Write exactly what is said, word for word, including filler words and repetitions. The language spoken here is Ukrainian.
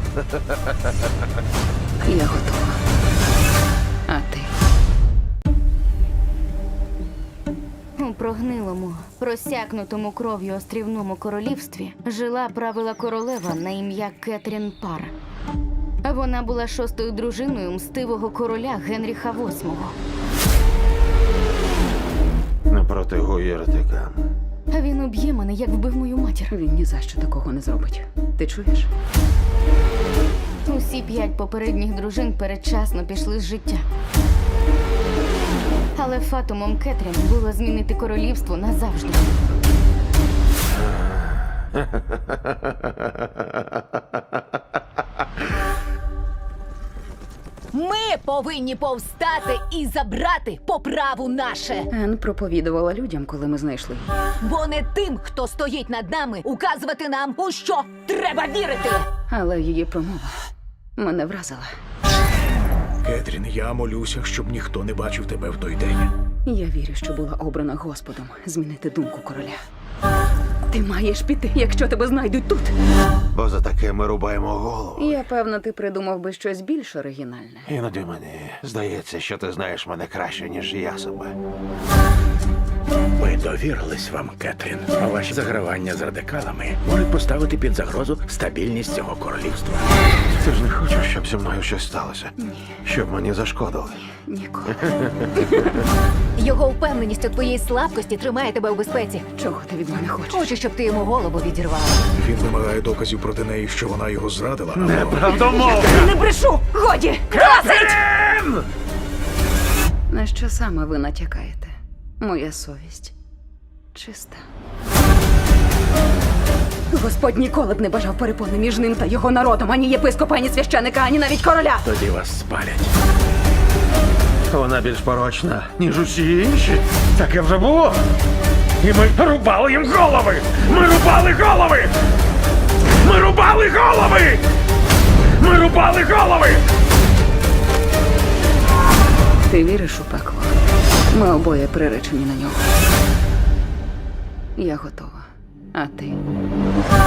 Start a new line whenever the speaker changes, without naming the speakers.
Я готова. А ти?
У прогнилому, просякнутому кров'ю острівному королівстві жила правила королева на ім'я Кетрін Пар. Вона була шостою дружиною мстивого короля Генріха восьмого.
Напроти гуєртика.
Він уб'є мене, як вбив мою матір.
Він ні за що такого не зробить. Ти чуєш?
Усі п'ять попередніх дружин передчасно пішли з життя. Але фатумом Кетрін було змінити королівство назавжди.
Ми повинні повстати і забрати по праву наше.
Ен проповідувала людям, коли ми знайшли її.
Бо не тим, хто стоїть над нами, указувати нам, у що треба вірити.
Але її промова мене вразила.
Кетрін, я молюся, щоб ніхто не бачив тебе в той день.
Я вірю, що була обрана Господом змінити думку короля. Ти маєш піти, якщо тебе знайдуть тут.
Бо за таке ми рубаємо голову.
Я певна, ти придумав би щось більш оригінальне.
Іноді мені здається, що ти знаєш мене краще, ніж я себе.
Ми довірились вам, Кетрін. А ваші загравання з радикалами можуть поставити під загрозу стабільність цього королівства.
Ти ж не хочеш, щоб зі мною щось сталося? Ні. Щоб мені зашкодили?
Ніколи.
Його впевненість у твоїй слабкості тримає тебе у безпеці.
Чого ти від мене хочеш?
Хочу, щоб ти йому голову відірвала.
Він вимагає доказів проти неї, що вона його зрадила. або-
Неправдомовно!
Не брешу! Годі! Досить! На що саме ви натякаєте? Моя совість чиста. Господь ніколи б не бажав перепони між ним та його народом, ані єпископа, ані священика, ані навіть короля.
Тоді вас спалять.
Вона більш порочна, ніж усі інші. Таке вже було.
І ми рубали їм голови! Ми рубали голови! Ми рубали голови! Ми рубали голови!
Ти віриш у пекло? Ми обоє приречені на нього. Я готова. А ти?